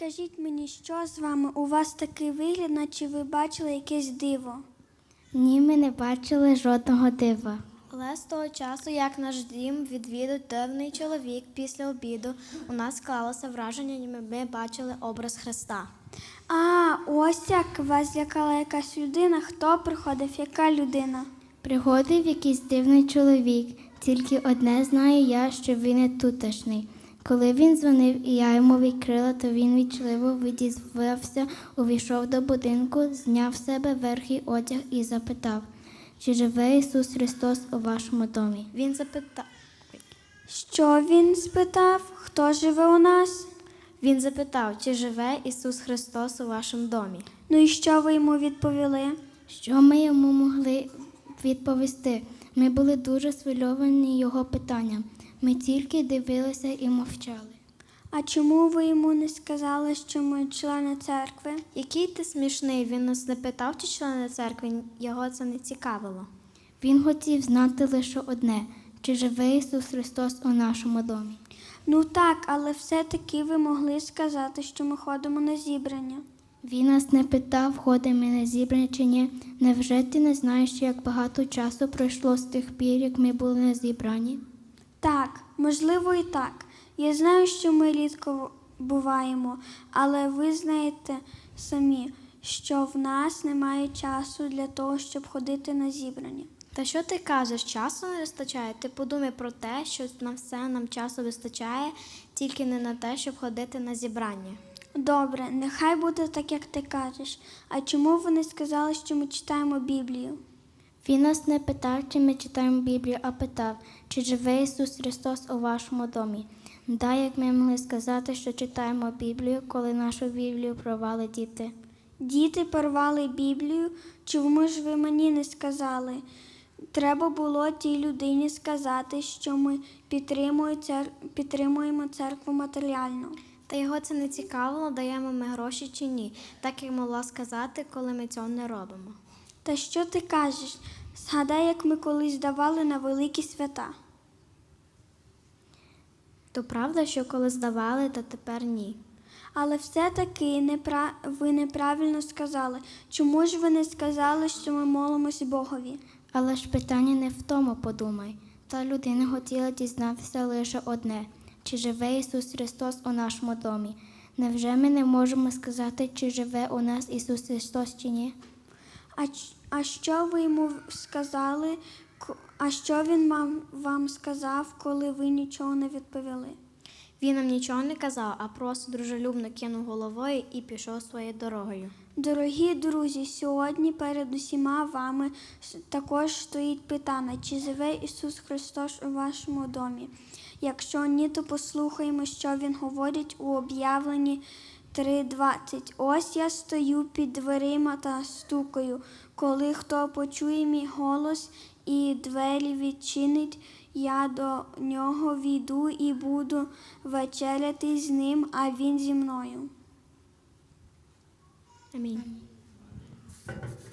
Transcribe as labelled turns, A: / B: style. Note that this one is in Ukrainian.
A: Скажіть мені, що з вами? У вас такий вигляд, наче ви бачили якесь диво.
B: Ні, ми не бачили жодного дива.
C: Але з того часу, як наш дім відвідав дивний чоловік після обіду, у нас склалося враження, ніби ми бачили образ Христа.
A: А, ось як вас злякала якась людина. Хто приходив? Яка людина?
B: Приходив якийсь дивний чоловік, тільки одне знаю я, що він не тутешній. Коли він дзвонив і я йому відкрила, то він вічливо відізвався, увійшов до будинку, зняв з себе верхній одяг і запитав, чи живе Ісус Христос у вашому домі.
C: Він запитав,
A: Що він спитав? Хто живе у нас?
C: чи живе Ісус Христос у вашому домі.
A: Ну і що ви йому відповіли?
B: Що ми йому могли відповісти? Ми були дуже схвильовані його питанням. Ми тільки дивилися і мовчали.
A: А чому ви йому не сказали, що ми члени церкви?
C: Який ти смішний, він нас не питав, чи члени церкви, його це не цікавило.
B: Він хотів знати лише одне, чи живе Ісус Христос у нашому домі.
A: Ну так, але все-таки ви могли сказати, що ми ходимо на зібрання.
B: Він нас не питав, ходимо ми на зібрання чи ні. Невже ти не знаєш, як багато часу пройшло з тих пір, як ми були на зібранні?
A: Так, можливо і так. Я знаю, що ми рідко буваємо, але ви знаєте самі, що в нас немає часу для того, щоб ходити на зібрання.
C: Та що ти кажеш, часу не вистачає? Ти подумай про те, що на все нам часу вистачає, тільки не на те, щоб ходити на зібрання.
A: Добре, нехай буде так, як ти кажеш. А чому ви не сказали, що ми читаємо Біблію?
B: Він нас не питав, чи ми читаємо Біблію, а питав, чи живе Ісус Христос у вашому домі. Як ми могли сказати, що читаємо Біблію, коли нашу Біблію порвали діти.
A: Діти порвали Біблію, чому ж ви мені не сказали? Треба було тій людині сказати, що ми підтримуємо церкву матеріально.
C: Та його це не цікавило, даємо ми гроші чи ні, так як могла сказати, коли ми цього не робимо.
A: Та що ти кажеш? Згадай, як ми колись давали на великі свята.
C: То правда, що коли здавали, то тепер ні.
A: Але все-таки ви неправильно сказали. Чому ж ви не сказали, що ми молимось Богові?
B: Але ж питання не в тому, подумай. Та людина хотіла дізнатися лише одне, чи живе Ісус Христос у нашому домі. Невже ми не можемо сказати, чи живе у нас Ісус Христос чи ні?
A: А що ви йому сказали? А що він вам сказав, коли ви нічого не відповіли?
C: Він нам нічого не казав, а просто дружелюбно кинув головою і пішов своєю дорогою.
A: Дорогі друзі, сьогодні перед усіма вами також стоїть питання, чи живе Ісус Христос у вашому домі? Якщо ні, то послухаємо, що Він говорить у об'явленні 3:20. Ось я стою під дверима та стукаю. Коли хто почує мій голос і двері відчинить, я до нього війду і буду вечеряти з ним, а він зі мною.
C: Амінь.